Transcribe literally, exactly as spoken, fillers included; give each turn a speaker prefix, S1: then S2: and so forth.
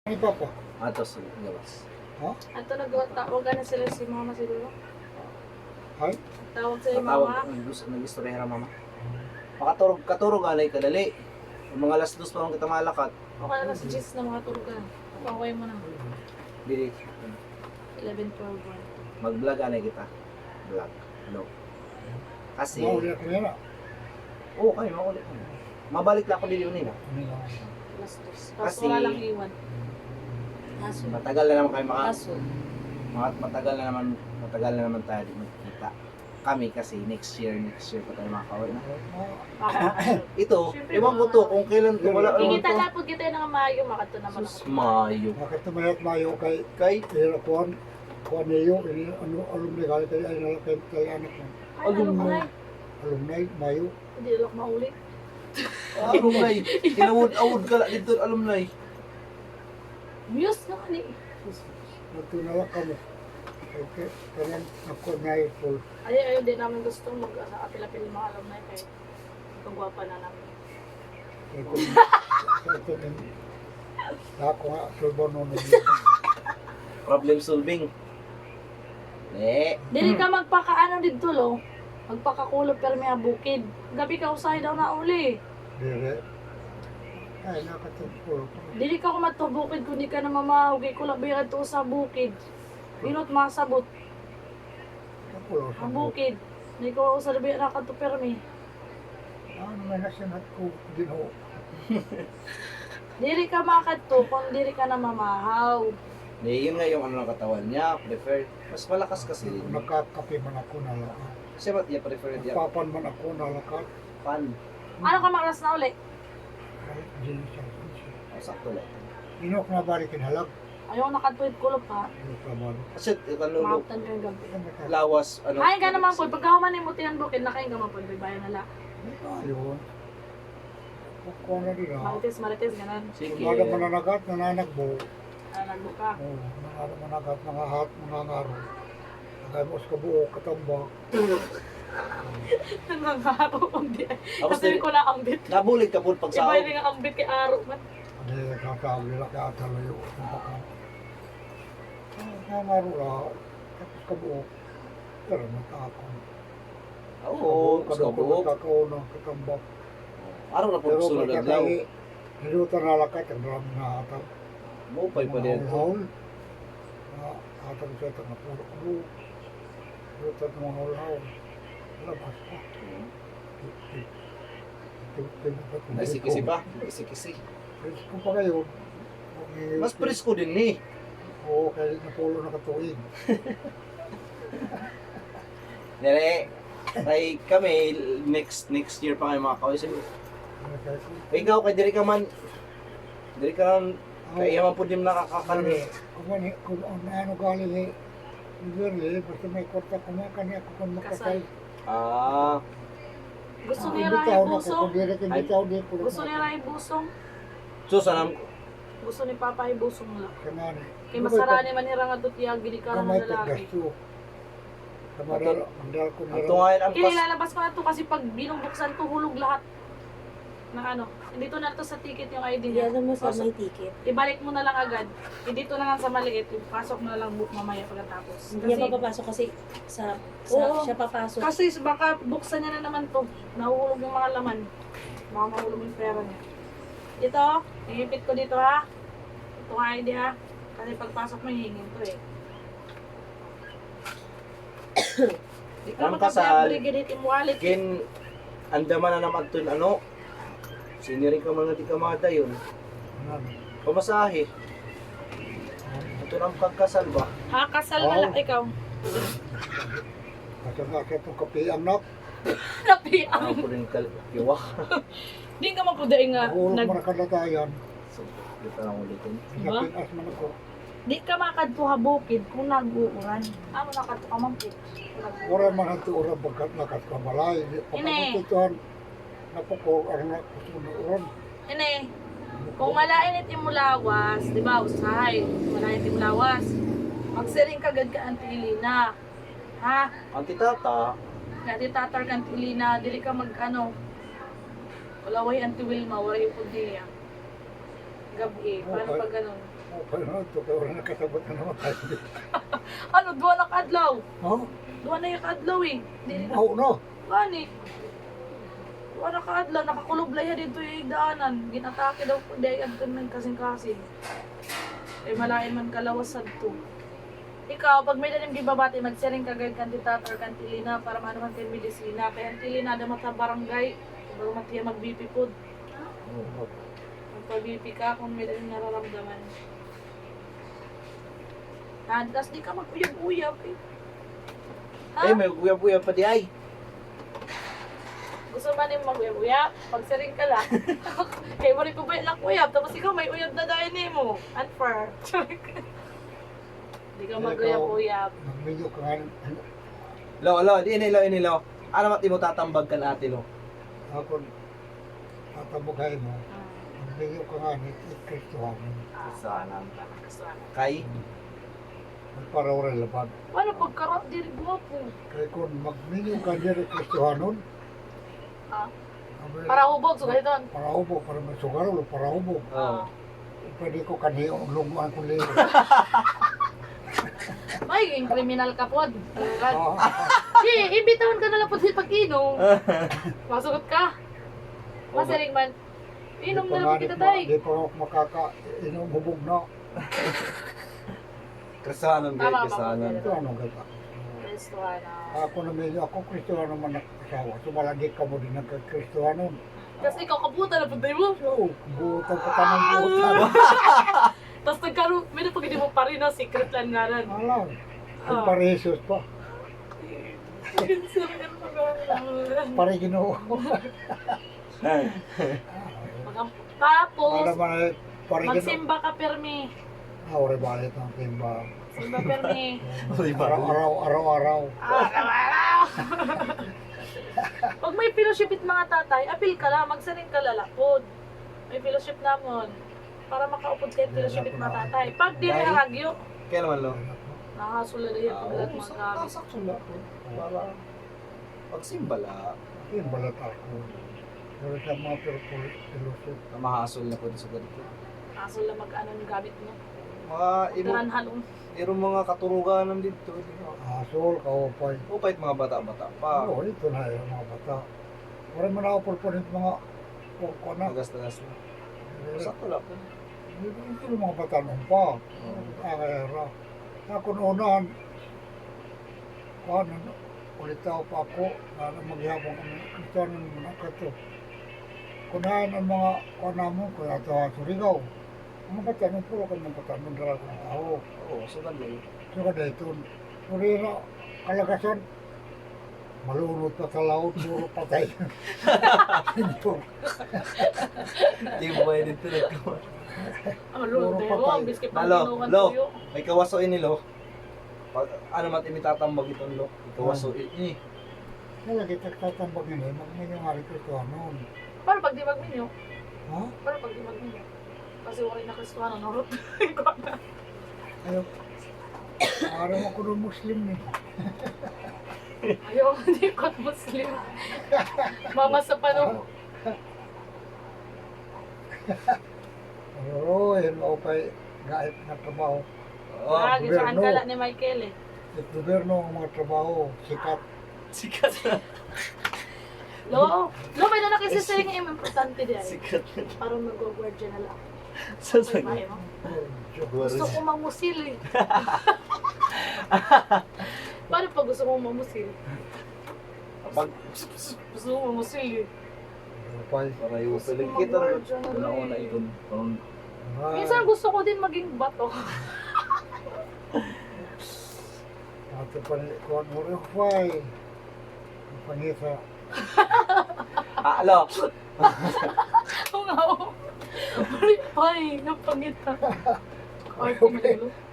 S1: Ano pa po?
S2: Ato sa gawas.
S1: Ha?
S3: Ato nagtawag na sila si mama siguro.
S1: Ay?
S3: Tawag sa
S2: Matawag,
S3: mama.
S2: nag- nag-istorya mama. Makaturog, katurog alay kadali. Yung mga alas dos pa lang kita malakat.
S3: O kaya na si Jess na mga turugan. Paway mo na.
S2: Dili.
S3: eleven twelve one.
S2: Mag-vlog alay kita. Vlog. Ano? Kasi,
S1: Mauli ako nila.
S2: oo kayo, makulit. Mabalik lang ako dili yun nila.
S1: Ano lang?
S3: Alas dos.
S2: Kasi-
S3: Tapos wala lang iwan. Aso.
S2: Matagal na naman kayo maka...
S3: Aso.
S2: Mat- Matagal na naman, matagal na naman tayo di magkita. Kami kasi next year, next year pa tayo makakawin na. Ito,
S3: Siyempre,
S2: ewan ko to kung kailan kung wala ewan
S3: Kikita
S2: to.
S3: na po kita ng Mayo, makato naman
S2: Sus,
S3: ako.
S2: Mayo.
S1: Bakit tumayat mayo kay
S2: Kay,
S1: Ira Kuan? Kuan niyo, ini ano alumni kali tayo ay nalakay tayo anak mo.
S3: Ay, ano ka nga?
S1: Alumni, mayo.
S3: Hindi lang maulit.
S2: alumni. Kinawod-awod ka lang dito, alumni.
S3: Muse na kani.
S1: Nagtunala ka mo. Okay, kanang ako na full.
S3: Ay, ayaw din namin gusto mag-apil-apil mga alam na kay kagwapa na namin.
S1: Ito, ito, ito, ako nga, sulbo nun.
S2: Problem solving. Ne.
S3: Dili ka magpakaano dito lo. Magpakakulog pero may bukid. Gabi ka usahay daw na uli.
S1: Dire. Ay, nakatagpulo.
S3: Dili ka kumatubukid kung di ka na mamahugay ko lang bayad to sa bukid. Binot masabot
S1: Kapulo sa
S3: ang bukid. Di ko sa labi na ka to permi.
S1: Ano may nasinat ko, ginoo.
S3: Dili ka makadto kung dili ka na mamahaw.
S2: Ne, yun nga yung ano ng katawan niya, prefer. Mas malakas kasi.
S1: Nakakape man ako na lakas.
S2: Kasi ba't niya prefer niya?
S1: Papan man ako na lakas.
S2: Pan.
S3: Ano ka makras na uli?
S1: Kahit dili siya.
S2: Oh, sakto lang.
S1: Inok na balikin halag.
S3: Ayaw nakatuwid kulog ha.
S1: Inok na balik.
S2: Kasi ano,
S3: Maaptan kang gabi.
S2: lawas, ano.
S3: Kain ka naman po. Pagka humanin mo tiyan bukid, nakain ka man po. Bayan na lang.
S1: Ayun. Ako na din ha.
S3: Marites, marites, ganan.
S2: Sige.
S1: Kung ada mananagat, nananagbo.
S3: Ah, nagbuka.
S1: Oo, ada managat, nangahat, nangangaro. Nagay mo sa kabuo, katambak.
S3: Nangangaro ang di.
S2: Tapos
S3: Kasi ko na ambit.
S2: nabulig ka po pag
S3: Iba
S2: sahod.
S3: yung ambit kay Aro man.
S1: Ano yung kakawin nila kaya talayo. Nangangaro na, tapos kabuo. Pero natakon.
S2: Oo, mas kabuok.
S1: Kakao na, katambak.
S2: Araw na po
S1: Pero
S2: sunod na daw.
S1: pagkakay, niluto na lakat, ang marami na atang.
S2: Mupay pa din.
S1: Haul-haul. Na atang siya, tanga puro kulo. Niluto ng mga haul-haul. Labas pa.
S2: Ay, sikisi pa. Sikisi.
S1: Presko pa ngayon.
S2: Mas presko din ni.
S1: Oo, kahit napulo na katuig.
S2: Nere, ay kami, next next year pa kayo mga kawis. Ikaw, kay diri ka man, diri ka man, kaya man po din nakakakan.
S1: Kung ano, kung ano galing eh, Usually, basta may kwarta kumakan ako kung makasal.
S2: Ah,
S3: Gusto
S1: Ah,
S3: niya
S1: imbitaw
S3: rin
S1: na ako,
S3: busong.
S1: kung direct imbitaw di ko.
S3: Gusto niya rin busong.
S2: so sanam,
S3: Gusto ni Papa ay busong lang.
S1: Kanani.
S3: Kay masarani man nira nga tutiyag gidi ka
S1: Kamay
S3: naman
S1: ko
S3: lalaki.
S1: gasto. Kamadal, mandal ko
S2: ang
S1: nila.
S2: tungayan ang pas.
S3: Inilalabas ko na to kasi pag binugbuksan to hulog lahat. Na ano, dito na to sa ticket yung I D niya.
S4: Iyan mo sa
S2: Pasok.
S4: may ticket.
S3: Ibalik mo na lang agad. Eh, dito na lang sa maliit, pasok mo na lang book mamaya pagkatapos.
S4: Hindi niya papapasok kasi sa, sa
S3: Oo.
S4: siya papasok.
S3: Kasi baka buksan niya na naman to. Nahuhulog yung mga laman. Baka mahulog yung pera niya. Ito, ihipit ko dito ha. Ito nga I D ha. Kasi pagpasok mo, hihingin to eh. Di ka
S2: Ang kasal,
S3: makapag-aggregate yung wallet.
S2: Kin, andaman na naman ito yung ano, sinirin ka mga di kamada yun.
S1: Kanani.
S2: Pamasahe. Ito nang pagkasal ba?
S3: Ha, kasal na
S1: Oh.
S3: lang ikaw.
S1: Kasi nga sa itong kape anak,
S3: Napi,
S2: Ano po rin kal, kiwa.
S3: di ka mapuday nga.
S1: nahulog
S3: Nag,
S1: mo na kadatayan.
S2: So, dito lang ulitin.
S3: Diba?
S1: Napinas man ako.
S3: di ka makadto ha bukid kung nag-uuran. Amo nakadto ka man po.
S1: Ora man ang tuura pagkat nakat ka balay.
S3: Ine.
S1: Pagkakituhan, napako, ang nakusunuran.
S3: Ine, kung malain iti mo lawas, di ba, usahay, malain iti mo lawas, magsiring kagad ka antilina. Ha?
S2: Ang titata,
S3: Kaya tatar ka antilina, dili ka mag ano, walaway anti Wilma, waray po diya. Gabi. Paano
S1: Okay.
S3: pag ganun?
S1: Okay na ito, kaya wala nakasabot na naman tayo.
S3: Ano, duwa na kadlaw?
S1: Ha?
S3: Duwa na yung kadlaw eh. Di na.
S1: Oo na.
S3: Gani. Duwa na kadlaw, nakakuloblay ya dito yung daanan. Ginatake daw po, dahil ang ng kasing-kasing. Eh, malain man kalawas sad to. Ikaw, pag may dalim gibabati, magsiring kagay kandidat or kantilina para maano man kayo medisina. Kaya kantilina, damat sa barangay. Bago matiya mag-B P food.
S1: Oo.
S3: Magpa-B P ka kung may dalim nararamdaman. Ha, tas di ka mag-uyab-uyab eh. Ha?
S2: Eh, may uyab-uyab pa di ay.
S3: Gusto ba niyo mag-uyab-uyab? Pagsiring ka lang. Kaya mo rin ko ba yung uyab? Tapos ikaw may uyab na dahil ni mo. Unfair. Di ka mag-uyab-uyab.
S1: Nag-video ka nga.
S2: Lo, lo, di inilo, inilo. Ano mat mo tatambag ka ate lo?
S1: Ako, tatabugay mo. Nag-video ka nga ni Kristuhan.
S2: Sana. Kay?
S1: Magparaw rin laban.
S3: Paano pagkara? Di rin guwapo.
S1: Kaya kung mag-video ka niya ni Kristuhanon,
S3: Ah, para hubog, so ganito.
S1: para hubo, para may sugar o para hubo.
S2: Oo.
S1: Pwede ko kaniyo ang lunguan ko liyo.
S3: Magiging kriminal ka po.
S1: Ah,
S3: Di, imbitahan ka na lang po sa pag-inom. Masugot ka. Masiring man. Inom na lang kita tayo.
S1: Di pa ako makaka-inom hubog na.
S2: Kristahanon kayo,
S3: Tama,
S2: kristahanon.
S1: Ito ano gata.
S3: Restoran na.
S1: Ako na medyo, ako Kristuhan naman nakasawa. Sumalagi ka mo din nagka-Kristuhanon.
S3: Tapos ikaw kaputa na punta mo.
S1: So, butan ka ka ng butan.
S3: Tapos nagkaroon, may napag hindi mo pa rin na secret lang nga rin.
S1: Alam.
S3: Ah.
S1: Ang paresos pa. Pare ginoo.
S3: Tapos,
S1: Alam mo na, pare ginoo.
S3: magsimba ka permi.
S1: Ah, ore balit ang timba.
S3: Simba permi.
S1: Araw-araw, araw-araw.
S3: Araw-araw. Pag may fellowship it mga tatay, apil ka lang, magsaring ka lalapod. May fellowship namon. Para makaupod kayo fellowship it mga tatay. Pag di
S2: Dahil-
S3: haragyo,
S2: Kaya naman lo.
S3: nakasula na yan pag lahat mga gamit.
S2: Saksula po. Para pagsimba la.
S1: Yung balat ako. Pero sa mga perpulusit.
S2: Mahasol na po sa ganito.
S3: Nakasula mag-ano yung gamit mo.
S2: Mga imo,
S3: Daran halong.
S2: iro mga katuruganan dito. di ba?
S1: Asol, kaupay.
S2: Upait mga bata-bata pa.
S1: Oo, ito na yung mga bata. Wala mo na opportunity mga kurko na.
S2: Tagas-tagas na. Sakto lang po.
S1: Ito yung mga bata nung pa. Akera. Ako noonan, ano, ulit ako pa ako, na maghihapon kami, Kristiyanon mo na kato. Kunahan ang mga kanamon, kaya ito ha, Surigao. Ang mga bata nung puro kami mga bata nung dala kong tao.
S2: Oo, so ganda yun.
S1: So kada ito, Surira, kalagasan, malunod pa sa laot, puro patay. Ito.
S2: Di mo ba dito na ko?
S3: Ang lolo
S1: Puro
S3: tayo,
S1: patay.
S3: ang biskit pang
S2: Lalo,
S3: tinukan
S2: lo.
S3: tuyo.
S2: May kawaso ini lo. Pag ano mat imitatambag itong lo. Kawaso ini.
S1: Kaya kita tatambag yun eh, magmanyang hari Kristiyanon.
S3: Para pag di magminyo,
S1: Ha?
S3: para pag di magminyo. Kasi wala na Kristuano, narot.
S1: Ayaw. Araw ako ng Muslim eh.
S3: Ayaw, hindi ko at Muslim. Mama sa pano.
S1: Oo, yun ako pa'y gaip na trabaho.
S2: Oh,
S3: Ah, gisaan
S1: gobyerno.
S3: ka lang ni Michael eh.
S1: Sa gobyerno ang mga trabaho, sikat.
S2: sikat na.
S3: Lo, lo, may na nakisisaling yung importante di ay.
S2: Sikat na.
S3: Parang mag-guardian na lang.
S2: Sa
S3: Ay, bahay mo. Gusto ko mamusil eh. Paano pag gusto mo mamusil?
S2: Pag
S3: Gusto mo mamusil eh.
S1: Pa'y,
S2: para yung pilig kita na una ikon. Parang
S3: Minsan gusto ko din maging bato.
S1: Ate pa ni Kuan mo rin, pa'y. Ang pangita.
S2: ah, lo.
S3: Oo nga, oo. Ay, napangita. Arte mo,